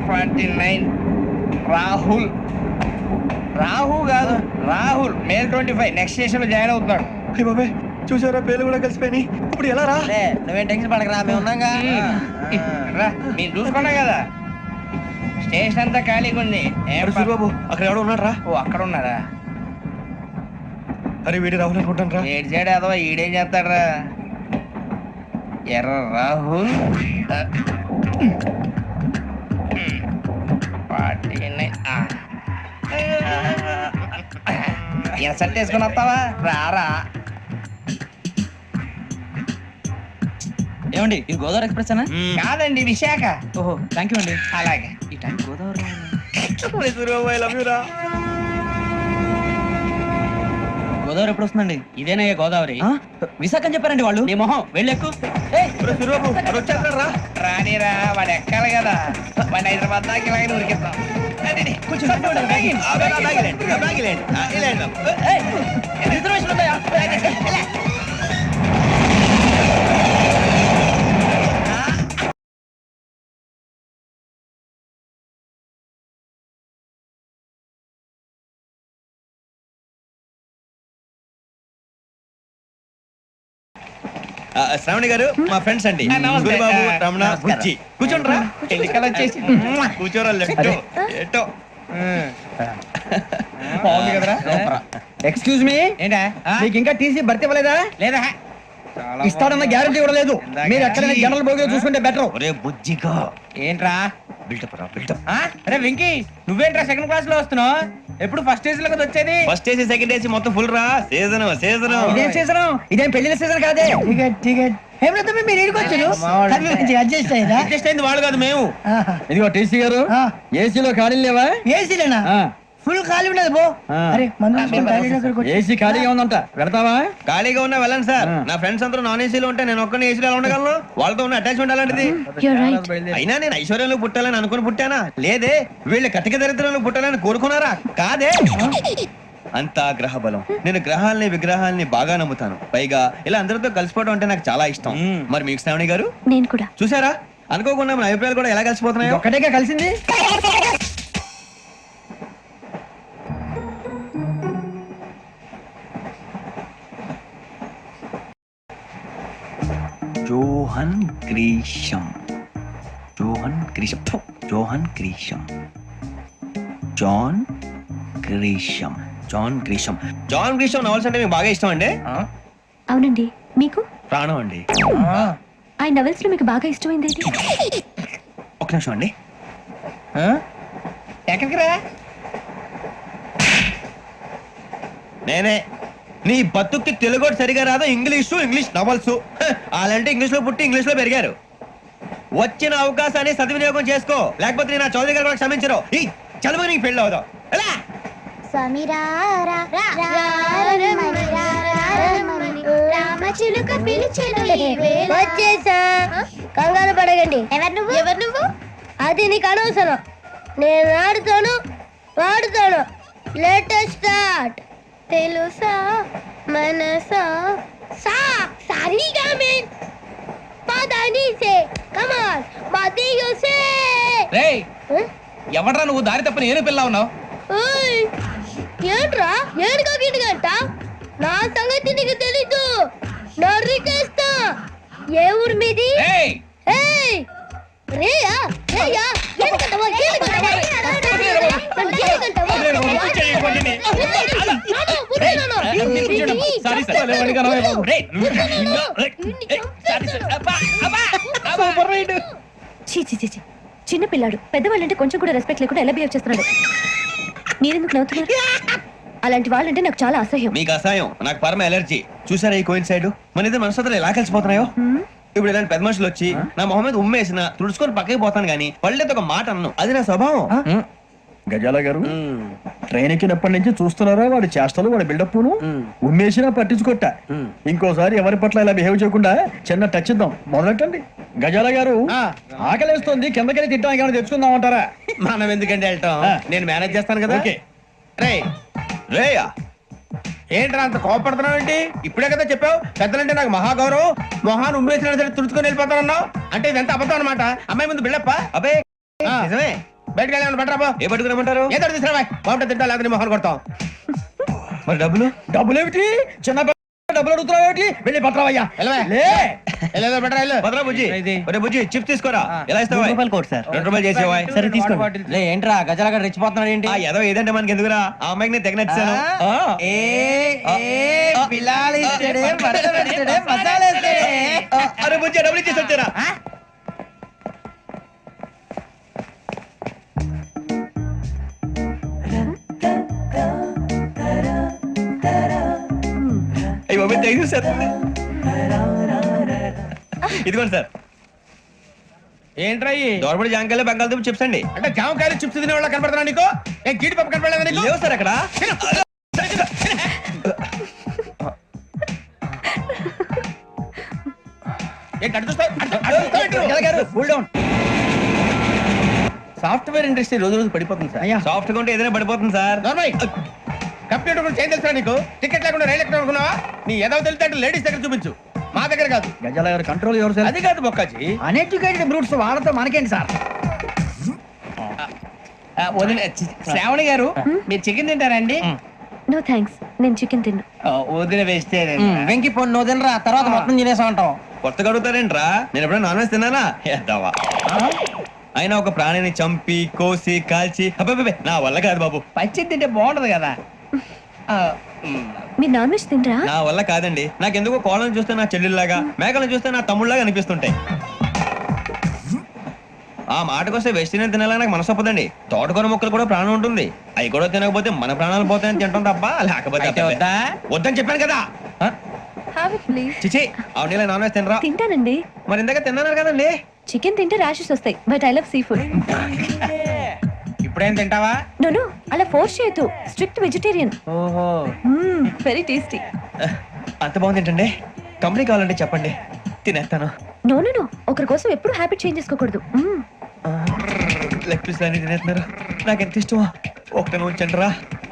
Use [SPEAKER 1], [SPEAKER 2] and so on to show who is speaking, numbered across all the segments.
[SPEAKER 1] 49 రాహుల్ కాదు Rahul May 25 next station లో join అవుతున్నాడు.
[SPEAKER 2] బాబాయ్ చూసారా పేర్లు కూడా కలిసిపోయి ఇప్పుడు ఎలా రా?
[SPEAKER 3] నువ్వేం టెన్షన్ పడకరా, మేము ఉన్నాగా.
[SPEAKER 1] రా మీరు చూసుకున్నా కదా స్టేషన్ అంతా ఖాళీగా ఉంది.
[SPEAKER 2] బాబు అక్కడ ఎవడో ఉన్నాడు రా.
[SPEAKER 1] ఓ అక్కడ ఉన్నారా?
[SPEAKER 2] అరే వీడి రాహుల్ అనుకుంటాను రా.
[SPEAKER 1] ఏడు సైడ్ అదో ఈడేం చేస్తాడరా? ఎర్ర రాహుల్ 49 ఎసట్ వేసుకుని వస్తావా? రారా.
[SPEAKER 3] ఏమండి ఇది గోదావరి ఎక్స్ప్రెస్ అనా?
[SPEAKER 1] కాదండి విశాఖ.
[SPEAKER 3] ఓహో థ్యాంక్ యూ అండి.
[SPEAKER 1] అలాగే
[SPEAKER 3] ఈ టైం గోదావరి గోదావరి ఎప్పుడు వస్తుందండి?
[SPEAKER 1] ఇదేనయ్య గోదావరి.
[SPEAKER 3] విశాఖ అని చెప్పారండి వాళ్ళు. నీ మొహం వెళ్ళెక్కు.
[SPEAKER 1] రానిరా వాడు ఎక్కాలి కదా. వాడిని హైదరాబాద్ దాకా ఇలాగే ఉరికిద్దాం.
[SPEAKER 3] రిజర్వేషన్ ఉన్నాయా?
[SPEAKER 2] శ్రావణి గారు మా ఫ్రెండ్స్ అండి. గురుబాబు, రమణ, బుజ్జి. కూర్చోండి రా.
[SPEAKER 1] ఎన్నికలు వచ్చేసి
[SPEAKER 2] కూర్చోరా. లెఫ్ట్ ఎటో.
[SPEAKER 1] బాగుంది కదరా.
[SPEAKER 3] ఎక్స్క్యూజ్ మీ,
[SPEAKER 1] ఏంటా
[SPEAKER 3] మీకు ఇంకా టీసీ భర్తీ ఇవ్వలేదా?
[SPEAKER 1] లేదా
[SPEAKER 3] ఇస్తాడన్న గ్యారంటీ కూడా లేదు. మీరు ఎక్కడైనా జనరల్ బోగిలో చూసుకుంటే బెటర్.
[SPEAKER 2] ఒరే బుజ్జిగా
[SPEAKER 1] ఏంట్రా
[SPEAKER 2] బిల్డప్ రా బిల్డప్.
[SPEAKER 1] అరే వెంకీ నువ్వేంట్రా సెకండ్ క్లాస్ లో వస్తున్నావు? ఎప్పుడు ఫస్ట్ ఏసీ లో కదా వచ్చేది.
[SPEAKER 2] ఫస్ట్ ఏసీ సెకండ్ ఏసీ మొత్తం ఫుల్ రా. సీజన్
[SPEAKER 3] ఇదేం సీజన్? ఇదేం పెళ్లిన సీజన్ కాదే. మీరు అడ్జస్ట్
[SPEAKER 1] అయింది వాళ్ళు కాదు మేము.
[SPEAKER 3] ఇదిగో టీసీ గారు, ఏసీలో ఖాళీ లేవా? ఏసీలేనా? ఫుల్ ఖాళీ ఉండదు బో. అరే ఏసీ ఖాళీగా ఉందంట, పెడతావా?
[SPEAKER 2] ఖాళీగా ఉన్నా వెళ్ళండి సార్. నా ఫ్రెండ్స్ అందరూ నాన్ ఏసీలో ఉంటే నేను ఒక్కనే ఏసీలో ఎలా ఉండగలను? వాళ్ళతో ఉన్న అటాచ్మెంట్ అలాంటిది. అయినా నేను ఐశ్వర్యంలో పుట్టాలని అనుకుని పుట్టానా? లేదే. వీళ్ళు కటిక దరిద్రంలో పుట్టాలని కోరుకున్నారా? కాదే. అంతా గ్రహ బలం. నేను గ్రహాలని విగ్రహాలని బాగా నమ్ముతాను. పైగా ఇలా అందరితో కలిసిపోవడం అంటే నాకు చాలా ఇష్టం. మరి మీకు శ్రావణి గారు?
[SPEAKER 4] నేను కూడా.
[SPEAKER 2] చూసారా, అనుకోకుండా మన అభిప్రాయాలు కూడా ఎలా కలిసిపోతున్నాయి.
[SPEAKER 3] ఒక్కటేగా కలిసింది.
[SPEAKER 2] Johan Grisham. Johan Grisham. Johan Grisham. John Grisham. John Grisham. John Grisham novels అంటే మీకు బాగా ఇష్టం అండి?
[SPEAKER 4] అవునండి. మీకు?
[SPEAKER 2] ప్రాణం అండి.
[SPEAKER 4] ఆ నవల్స్ లో మీకు బాగా ఇష్టమైంది ఏంటి?
[SPEAKER 2] ఒక నిమిషం అండి.
[SPEAKER 1] ఎక్కడికి రా?
[SPEAKER 2] నేనే. నీ బతుక్కి తెలుగు సరిగా రాదు. English novels. అలాంటి ఇంగ్లీష్ లో పుట్టి ఇంగ్లీష్ లో పెరిగారు. వచ్చిన అవకాశాన్ని సద్వినియోగం చేసుకో, లేకపోతే నేను చౌదరి గారు కూడా క్షమించరు. ఈ చదువు నీకు పెళ్ళి అవుదాం. ఎలా
[SPEAKER 5] వచ్చేసా. కంగారు పడగండి. ఎవరు నువ్వు? అది నీకు అనవసరం. నేను ఆడుతాను వాడుతాను. Latest start. తెలుసా మనసా సా సారీగా మెన్ పదని సే కమాన్ మదియో సే.
[SPEAKER 1] రేయ్ ఎవడ్రా నువ్వు? దారి తప్ప నేను పిల్ల ఉన్నావు.
[SPEAKER 5] ఓయ్ ఏంట్రా ఏడుగా గిడుగంట? నా సంగతి నీకు తెలీదు. నరికేస్తా. ఏ ఊరు మీది?
[SPEAKER 1] రేయ్
[SPEAKER 5] ఏయ్ రేయా రేయా ఏడుగంటవా ఏడుగంటవా
[SPEAKER 4] చిన్న పిల్లాడు. పెద్దవాళ్ళంటే కొంచెం కూడా రెస్పెక్ట్ లేకుండా ఎలా బిహేవ్ చేస్తున్నాడు. మీరెందుకు నవ్వుతున్నారు? అలాంటి వాళ్ళంటే నాకు చాలా అసహ్యం.
[SPEAKER 2] మీకు అసహ్యం, నాకు పరమ ఎలర్జీ. చూసారా ఈ కోయిన్సైడ్? మన ఇద్దరు మనసులో ఎలా కలిసిపోతున్నాయో. ఇప్పుడు ఇలాంటి పెద్ద మనుషులు వచ్చి నా మొహం మీద ఉమ్మేసిన తుడుచుకొని పక్కకి పోతాను కానీ పళ్ళేతో ఒక మాట అన్ను. అది నా స్వభావం.
[SPEAKER 3] గజాల గారు, ట్రైన్ ఎక్కినప్పటి నుంచి చూస్తున్నారా వాడి చేష్టలు, వాడి బిల్డప్ను. ఉమ్మేసినా పట్టించుకోట. ఇంకోసారి ఎవరి పట్ల ఇలా బిహేవ్ చేయకుండా చిన్న టచ్ ఇద్దాం. మొదలెట్టండి. గజాల గారు, ఆకలేస్తుంది, కిందకెళ్ళి తిట్టడానికి ఏమైనా తెచ్చుకుందామంటారా?
[SPEAKER 2] మనం ఎందుకంటే వెళ్ళటం, నేను మేనేజ్ చేస్తాను కదా. రే రేయా
[SPEAKER 1] ఏంట్రా అంత కోపడుతున్నావు ఏంటి? ఇప్పుడే కదా చెప్పావు పెద్దలంటే నాకు మహాగౌరవం. మొహాన్ని ఉమ్మేసిన సరే తుడుచుకొని వెళ్ళిపోతానన్నావు. అంటే ఇదంతా అబద్ధం అనమాట. అమ్మాయి ముందు బిళ్ళప్ప.
[SPEAKER 2] అబ్బే నిజమే.
[SPEAKER 1] బయటకు వెళ్ళి పట్టరా
[SPEAKER 2] ఏ పట్టుకురమ్మంటారు?
[SPEAKER 1] ఏదో తీసుకురా బాగుంటుంది తింటా లేదా మొహన్ కొడతాం.
[SPEAKER 2] మరి డబ్బులు?
[SPEAKER 3] డబ్బులు ఏమిటి చిన్న డబ్బులు అడుగుతున్నావు ఏమిటి వెళ్ళి పట్టరావయ్యా లే
[SPEAKER 1] బెటరా
[SPEAKER 2] భద్రా బుజ్జి, ఒరే బుజ్జి చిప్స్ తీసుకోరా. ఎలా ఇస్తావా?
[SPEAKER 6] Court sir.
[SPEAKER 2] 2 రూపాయలు చేసేవా?
[SPEAKER 6] సరే తీసుకోండి.
[SPEAKER 1] లే ఏంట్రా గజాల రెచ్చిపోతున్నాడు ఏంటి?
[SPEAKER 2] ఆ ఏదో ఏదంటే మనకి ఎందుకురా, ఆ అమ్మాయికి నేను తెగ నచ్చాను. అరే బుజ్జి డబ్బులు ఇచ్చేసి వచ్చారా? అయ్యి బాబు థ్యాంక్ యూ సార్. ఇదిగోండి సార్.
[SPEAKER 1] ఏంట్రా
[SPEAKER 2] దోరబడి జాంకాయలు బంగాళదుంప చిప్స్ అండి.
[SPEAKER 1] అంటే జామకాయలు చిప్స్ తినే వాళ్ళ కనపడుతున్నా నీకు? ఏ జీడిపప్పు కనపడలేదా నీకు?
[SPEAKER 2] లేవు సార్ అక్కడ.
[SPEAKER 1] సాఫ్ట్వేర్ ఇండస్ట్రీ రోజు రోజు పడిపోతుంది సార్.
[SPEAKER 2] సాఫ్ట్ గా ఉంటే ఏదైనా పడిపోతుంది సార్.
[SPEAKER 1] కంప్యూటర్ గురించి ఏం తెలుసా నీకు? టికెట్ లేకుండా రైలు ఎక్కడ అనుకున్నావా? నీ ఏదో తెలితే అంటే లేడీస్ దగ్గర చూపించు, మా దగ్గర కాదు.
[SPEAKER 3] గజాల గారు కంట్రోల్ ఎవరు సార్?
[SPEAKER 1] అది కాదు బొక్కాజీ.
[SPEAKER 6] అన్ఎడ్యుకేటెడ్ బ్రూట్స్ వాళ్ళతో మనకేంటి సార్?
[SPEAKER 1] శ్రావణి గారు మీరు చికెన్ తింటారండి?
[SPEAKER 4] నో థ్యాంక్స్, నేను చికెన్ తిన్ను.
[SPEAKER 1] వదిన వేస్తే
[SPEAKER 6] వెంకి పొన్ను నువ్వు తినరా, తర్వాత మొత్తం తినేసా ఉంటాం.
[SPEAKER 2] కొత్తగా అడుగుతారేంట్రా? నేను ఎప్పుడైనా నాన్ వెజ్ తిన్నానా? ఎద్దావా. అయినా ఒక ప్రాణిని చంపి కోసి కాల్చి అబ్బబ్బే నా వల్ల కాదు బాబు.
[SPEAKER 1] పచ్చి తింటే బాగుంటది కదా.
[SPEAKER 4] మీరు నాన్ వెజ్ తినరా?
[SPEAKER 2] నా వల్ల కాదండి. నాకెందుకో కోళ్ళని చూస్తే నా చెల్లెల్లాగా, మేకలను చూస్తే నా తమ్ముళ్ళలాగా అనిపిస్తుంటాయి. ఆ మాటకొస్తే వెస్టిరియన్ తినాలని నాకు మనసు ఒప్పదండి. తోటకూర మొక్కలు కూడా ప్రాణం ఉంటుంది. అవి కూడా తినకపోతే మన ప్రాణాలు పోతాయని తింటాం తప్ప లేకపోతే
[SPEAKER 1] వద్దా?
[SPEAKER 2] వద్దని చెప్పాను కదా.
[SPEAKER 4] Have it please.
[SPEAKER 2] చిచి అవునీ నాన్ వెజ్ తినరా?
[SPEAKER 4] తింటానండి.
[SPEAKER 2] మరి ఇందాక తిన్నాను కదండి.
[SPEAKER 4] చికెన్ తింటే ర్యాషెస్ వస్తాయి, but I love seafood.
[SPEAKER 1] ఇప్పుడేం తింటావా?
[SPEAKER 4] నో అలా ఫోర్స్ చేయొద్దు. Strict vegetarian.
[SPEAKER 1] ఓహో
[SPEAKER 4] వెరీ టేస్టీ.
[SPEAKER 2] అంత బాగుంది ఏంటండి? కంపెనీ కావాలంటే చెప్పండి, తినేస్తాను.
[SPEAKER 4] నో ఒకరి కోసం ఎప్పుడు హ్యాబిట్ చేంజ్ చేసుకోకూడదు.
[SPEAKER 2] లెగ్ పీస్ అన్ని తినేస్తున్నారు. నాకు ఎంత ఇష్టమో ఒకటే ఉంచండి రా.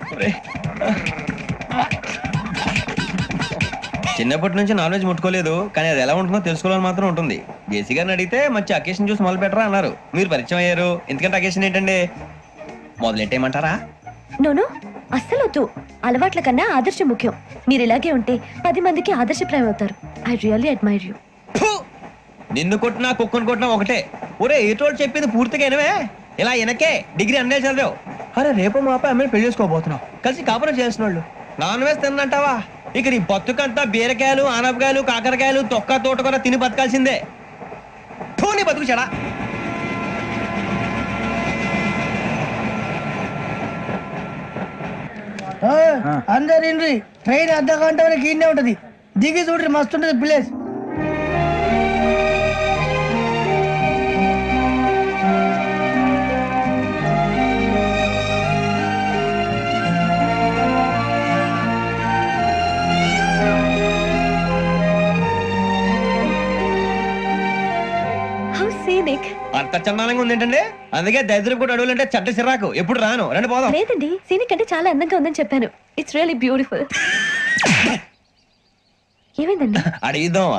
[SPEAKER 2] చిన్నప్పటి నుంచి నాన్ వెజ్ ముట్టుకోలేదు, కానీ అది ఎలా ఉంటుందో తెలుసుకోవాలని మాత్రం ఉంటుంది. జేసీ గారిని అడిగితే మంచి అకేషన్ చూసి మొదలు పెట్టరా అన్నారు. మీరు పరిచయం అయ్యారు, ఎందుకంటే అకేషన్ ఏంటండి? మొదలెట్టేయమంటారా?
[SPEAKER 4] నో అస్సలు వద్దు. అలవాట్ల కన్నా ఆదర్శం ముఖ్యం. మీరు ఇలాగే ఉంటే 10 మందికి ఆదర్శప్రాయం అవుతారు. I really admire you.
[SPEAKER 2] నిన్ను కొట్టినా కుక్కను కొట్టినా ఒకటే. ఒరే ఏటోళ్ళు చెప్పింది పూర్తిగా వినవే. ఇలా వెనకే డిగ్రీ అన్నే చదివావు. అరే రేపు మా అబ్బాయి అమ్మని పెళ్లి చేసుకోబోతున్నావు, కలిసి కాపురం చేసిన వాళ్ళు నాన్ వెజ్ తిన్నంటావా? ఇక నీ బతుకంతా బీరకాయలు ఆనపకాయలు కాకరకాయలు తొక్క తోట కూడా తిని బతకాల్సిందే. నీ బతుకు చెడా.
[SPEAKER 6] అందరు ఇండ్రి, ట్రైన్ అర్ధ గంట వరకు ఇన్నే ఉంటది. దిగి చూడ్రి, మస్తు ఉంటది ప్లేస్.
[SPEAKER 4] How scenic.
[SPEAKER 2] అంత చందానంగా ఉంది ఏంటండి? అందుకే దరిద్రం కూడా అడవులంటే చెడ్డ చిరాకు. ఎప్పుడు రాను, రండి పోదాం.
[SPEAKER 4] లేదండి, సీనిక్ అంటే చాలా అందంగా ఉందని చెప్పాను. It's really beautiful. ఏమైందండి?
[SPEAKER 2] అడిగిద్దామా?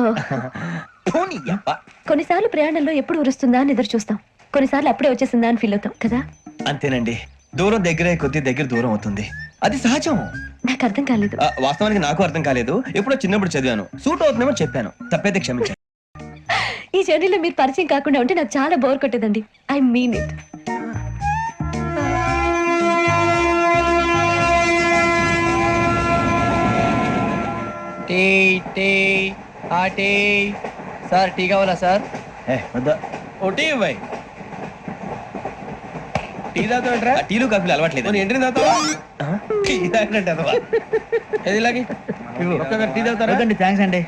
[SPEAKER 4] కొన్నిసార్లు ప్రయాణంలో ఎప్పుడు ఉరుస్తుందా అని ఎదురు చూస్తాం, కొన్నిసార్లు అప్పుడే వచ్చేసిందా అని ఫీల్ అవుతాం కదా.
[SPEAKER 2] అంతేనండి, దూరం దగ్గరే కొద్ది దగ్గర దూరం అవుతుంది. అది సహజం.
[SPEAKER 4] నాకు అర్థం కాలేదు.
[SPEAKER 2] వాస్తవానికి నాకు అర్థం కాలేదు. ఎప్పుడో చిన్నప్పుడు చదివాను, సూట్ అవుతుందేమో చెప్పాను, తప్పైతే క్షమించండి.
[SPEAKER 4] ఈ జర్నీలో మీరు పరిచయం కాకుండా ఉంటే నాకు చాలా బోర్ కొట్టేదండి. I mean it.
[SPEAKER 6] Sir tea కావాలా సార్?
[SPEAKER 1] ఒకటి ఇవ్వాయి. టీ తాగుతావేంట్రా?
[SPEAKER 2] టీలు కాఫీలు అలవాట్లేదు.
[SPEAKER 1] ఎంట్రీ తాగుతావా? టీ తాగినట్టు అదవా. ఏది ఇలాగే ఒక్కగారు టీ తాగుతారా?
[SPEAKER 6] థ్యాంక్స్ అండి.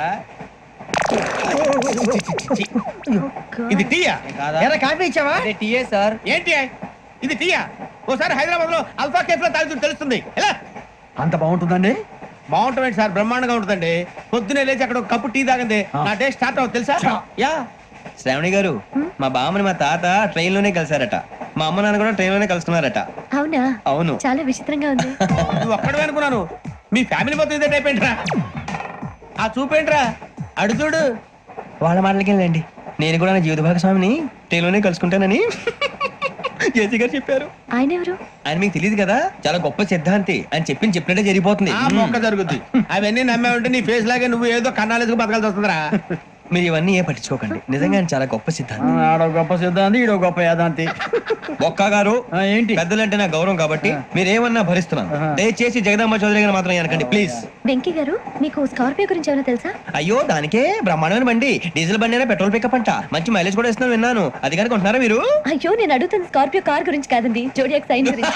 [SPEAKER 1] ఇది టీయా?
[SPEAKER 6] ఎరా కాఫీ ఇచ్చావా? టీయే సార్.
[SPEAKER 1] ఏంటి ఇది టీయా? ఓసారి హైదరాబాద్ లో అల్ఫా కేఫ్ లో తాగుతుంది తెలుస్తుంది. ఎలా
[SPEAKER 3] అంత బాగుంటుందండి?
[SPEAKER 1] బాగుంటుంది సార్, బ్రహ్మాండంగా ఉంటుందండి. పొద్దునే లేచి అక్కడ ఒక కప్పు టీ తాగండి నా డే స్టార్ట్ అవుతుంది తెలుసా? యా.
[SPEAKER 2] శ్రావణి గారు, మా బామ్మని మా తాత ట్రైన్ లోనే కలిసారట. మా అమ్మ నాన్న కూడా ట్రైన్ లోనే కలుసుకున్నారట.
[SPEAKER 4] అవునా?
[SPEAKER 2] అవును.
[SPEAKER 4] చాలా విచిత్రంగా ఉంది.
[SPEAKER 1] నువ్వు ఒక్కడే అనుకున్నాను, మీ ఫ్యామిలీ మొత్తం ఇదే టైప్ ఏంట్రా? ఆ చూపేంట్రా, అడు చూడు.
[SPEAKER 2] వాళ్ళ మాటలకి వెళ్ళండి, నేను కూడా నా జీవిత భాగస్వామిని ట్రైన్ లోనే కలుసుకుంటానని. జేసీ గారు చెప్పారు.
[SPEAKER 4] ఆయన ఎవరు?
[SPEAKER 2] ఆయన మీకు తెలియదు కదా, చాలా గొప్ప సిద్ధాంతి అని చెప్పినట్టే జరిగిపోతుంది.
[SPEAKER 1] ఆ మొక్క జరుగుద్ది. అవన్నీ నమ్మే ఉంటే నీ ఫేస్ లాగే నువ్వు ఏదో కన్నాలేసుకు బతకాల్సి వస్తుందిరా.
[SPEAKER 2] మీరు ఇవన్నీ ఏ పట్టించుకోకండి, నిజంగా ఆయన చాలా గొప్ప సిద్ధాంతి.
[SPEAKER 3] ఆడో గొప్ప సిద్ధాంతి, ఈడో గొప్ప యాదాంతి.
[SPEAKER 2] బొక్క గారు
[SPEAKER 3] ఏంటి?
[SPEAKER 2] పెద్దలంటే నా గౌరవం కాబట్టి మీరేమన్నా భరిస్తున్నాను. దయచేసి జగదాంబ చౌదరి గారు మాత్రం అనకండి ప్లీజ్.
[SPEAKER 4] వెంకీ గారు, మీకు స్కార్పియో గురించి ఏమైనా తెలుసా?
[SPEAKER 2] అయ్యో దానికే బ్రహ్మాండమైన బండి, డీజిల్ బండి అయినా పెట్రోల్ పికప్ అంట, మంచి మైలేజ్ కూడా ఇస్తున్నాను విన్నాను. అది కనుక ఉంటున్నారా మీరు?
[SPEAKER 4] అయ్యో, నేను అడుగుతున్న స్కార్పియో కార్ గురించి కాదండి, జోడియాక్ సైన్ గురించి.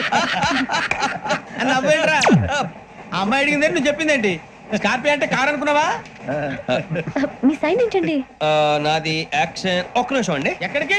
[SPEAKER 1] అని నవ్వేంట్రా? ఆ అమ్మాయి అడిగింది నువ్వు చెప్పిందేంటి? స్కార్పియో అంటే కార్ అనుకున్నావా?
[SPEAKER 4] మీ సైన్ ఏంటండి?
[SPEAKER 2] నాది యాక్షన్. ఒక్క నిమిషం అండి.
[SPEAKER 1] ఎక్కడికి?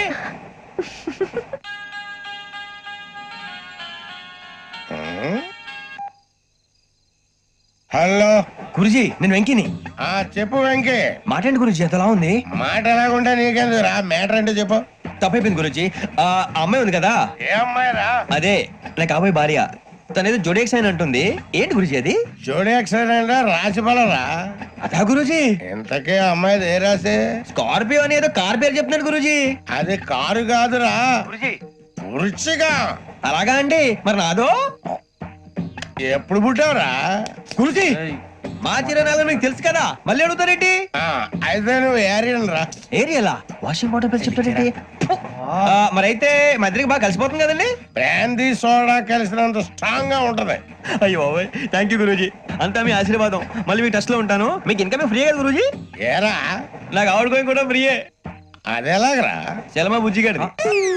[SPEAKER 7] హలో
[SPEAKER 2] గురుజీ నేను వెంకిని.
[SPEAKER 7] చెప్పు వెంకీ.
[SPEAKER 2] మాట్లాడండి గురుజీ, ఎంతలా ఉంది?
[SPEAKER 7] మాట ఎలాగుంటా నీకెందుకు రా, మ్యాటర్ అంటే చెప్పు.
[SPEAKER 2] తప్పైపోయింది గురుజీ. ఆ అమ్మాయి ఉంది కదా,
[SPEAKER 7] ఏ అమ్మాయి రా?
[SPEAKER 2] అదే నా కాబోయే భార్య. తనేదో జోడేక్ సైన్ అంటుంది. ఏంటి గురుజీ అది?
[SPEAKER 7] జోడి యాక్సిడెంట్ రాసి పడరా?
[SPEAKER 2] అదా గురుజీ,
[SPEAKER 7] ఇంతకే అమ్మాయి ఏ రాసి?
[SPEAKER 2] స్కార్పియో అని ఏదో కార్ పేరు చెప్తున్నాడు గురుజీ.
[SPEAKER 7] అది కారు కాదురా, వృచ్చిగా.
[SPEAKER 2] అలాగా అండి, మరి నాదో?
[SPEAKER 7] ఎప్పుడు పుట్టావురా?
[SPEAKER 2] గురుజీ మా చిరునాలు మీకు తెలుసు కదా, మళ్ళీ అడుగుతారేంటి?
[SPEAKER 7] అయితే నువ్వు ఏరియన్ రా.
[SPEAKER 2] ఏరియలా? వాషింగ్ వాటర్ పేరు చెప్తారేంటి? మరైతే మా ఇద్దరికి బాగా కలిసిపోతుంది కదండి.
[SPEAKER 7] బ్రాందీ సోడా కలిసినంత స్ట్రాంగ్ గా ఉంటది.
[SPEAKER 2] అయ్యో బాబోయ్, థ్యాంక్ యూ గురూజీ, అంతా మీ ఆశీర్వాదం. మళ్ళీ మీకు టచ్ లో ఉంటాను. మీకు ఇన్కమ్ ఫ్రీ కదా గురూజీ?
[SPEAKER 7] ఏరా
[SPEAKER 2] నాకు ఆవిడ గోయింగ్ కూడా ఫ్రీయే.
[SPEAKER 7] అదెలాగరా?
[SPEAKER 2] చలమా బుజ్జి గారిది.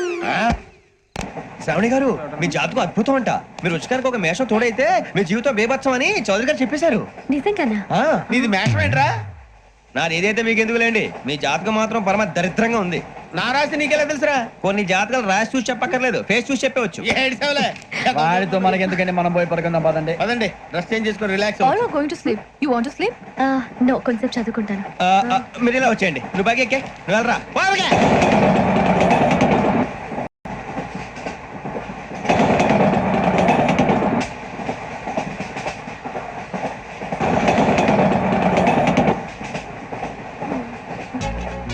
[SPEAKER 2] శ్రావణి గారు, మీ జాతకం అద్భుతం అంట. మీరు రుచికానికి ఒక మేషం తోడైతే మీ జీవితం బేబత్సం అని చౌదరి గారు చెప్పేశారు.
[SPEAKER 4] నిజంగానా?
[SPEAKER 2] ఆ,
[SPEAKER 1] నీది మేషం ఏంట్రా?
[SPEAKER 2] నాది ఏదైతే మీకు ఎందుకులేండి, మీ జాతకం మాత్రం పరమ దరిద్రంగా ఉంది.
[SPEAKER 1] నా రాసి నీకెలా తెలుసురా?
[SPEAKER 2] కొన్ని జాతకాలు రాసి చూసి చెప్పక్కర్లేదు, ఫేస్ చూసి చెప్పవచ్చు.
[SPEAKER 1] ఏడ్చావులే.
[SPEAKER 3] వాడితో మనకి ఎందుకండి, మనం పోయి పడుకుందాం పదండి.
[SPEAKER 1] పదండి, డ్రెస్ చేంజ్ చేసుకొని relax.
[SPEAKER 8] All are going to sleep. You want to sleep?
[SPEAKER 4] No, కొంచెం చదువుకుంటాను.
[SPEAKER 2] మీరు ఇలా వచ్చేయండి. నువ్వు బాగా ఎక్కే, నువ్వు వెళ్ళరా.